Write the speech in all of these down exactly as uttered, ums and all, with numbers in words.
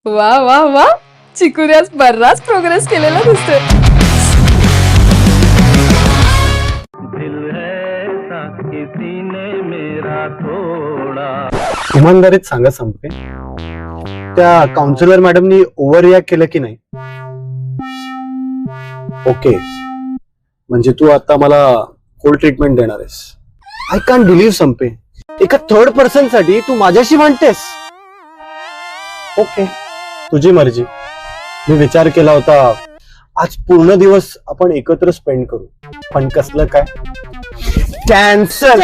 वा वा वा, चिकूने आज बराच प्रोग्रेस केलेला दिसतोय. इमानदारीत सांगा संपे, त्या काउन्सिलर मॅडमनी ओव्हर रिॲक्ट केलं की नाही? ओके, म्हणजे तू आता मला कोल्ड ट्रीटमेंट देणार आहेस. आय कॅन बिलीव्ह संपे, एका थर्ड पर्सन साठी तू माझ्याशी भांडतेस. ओके, तुझी मर्जी. मी विचार केला होता आज पूर्ण दिवस आपण एकत्र स्पेंड करू, पण कसलं काय, कॅन्सल.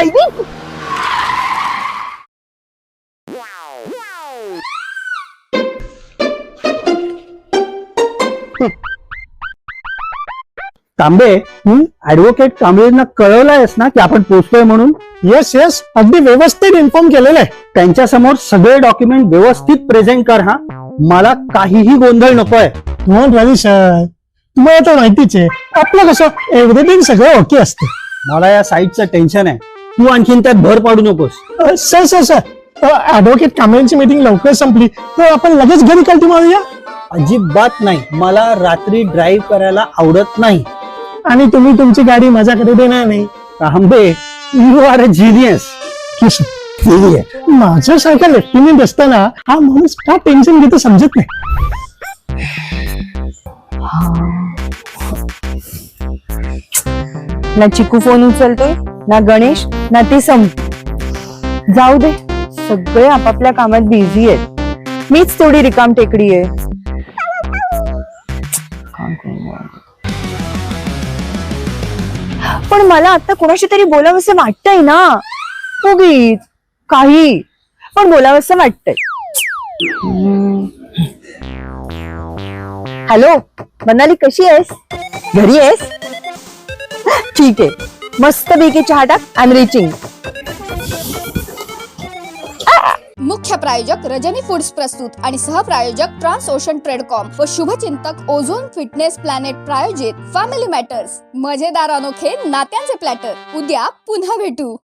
तांबे, ऍडव्होकेट कांबळेंना कळवलंयस ना की आपण पोहोचतोय म्हणून? येस येस, अगदी व्यवस्थित इन्फॉर्म केलेलं आहे. त्यांच्या समोर सगळे डॉक्युमेंट व्यवस्थित प्रेझेंट कर हा. मला काहीही गोंधळ नकोय. डोंट वरी सर, तुम्हाला तर माहितीच आहे आपलं कसं एव्हरीथिंग सगळं ओके असते. मला या साईटचं टेन्शन आहे, तू आणखीन त्यात भर पाडू नकोस. अ, सर सर सर ऍडव्होकेट कांबळेंची मीटिंग लवकर संपली तर आपण लगेच घरी कल्टी मारूया. अजिबात नाही, मला रात्री ड्राईव्ह करायला आवडत नाही. आणि तुम्ही तुमची गाडी माझ्याकडे देणार नाही. Tambe, you are a genius. माझ्यासारखा लेफ्टनंट असताना हा माणूस का टेन्शन घेतो समजत नाही. ना चिकू फोन उचलतोय, ना गणेश, ना ती संप. जाऊ दे, सगळे आपापल्या कामात बिझी आहेत. मीच थोडी रिकाम टेकडी आहे. पण मला आता कोणाशी तरी बोलावंसं वाटतंय ना. उगीच काही पण बोलावंसं वाटतंय. हॅलो मनाली, कशी आहेस? घरी आहेस? ठीक आहे, मस्त पैकी चहा टाक. I am reaching. मुख्य प्रायोजक रजनी फूड्स प्रस्तुत आणि सहप्रायोजक ट्रान्स ओशन ट्रेडकॉम व शुभचिंतक ओझोन फिटनेस प्लॅनेट प्रायोजित फॅमिली मॅटर्स. मजेदार अनोखे नात्यांचे प्लॅटर. उद्या पुन्हा भेटू.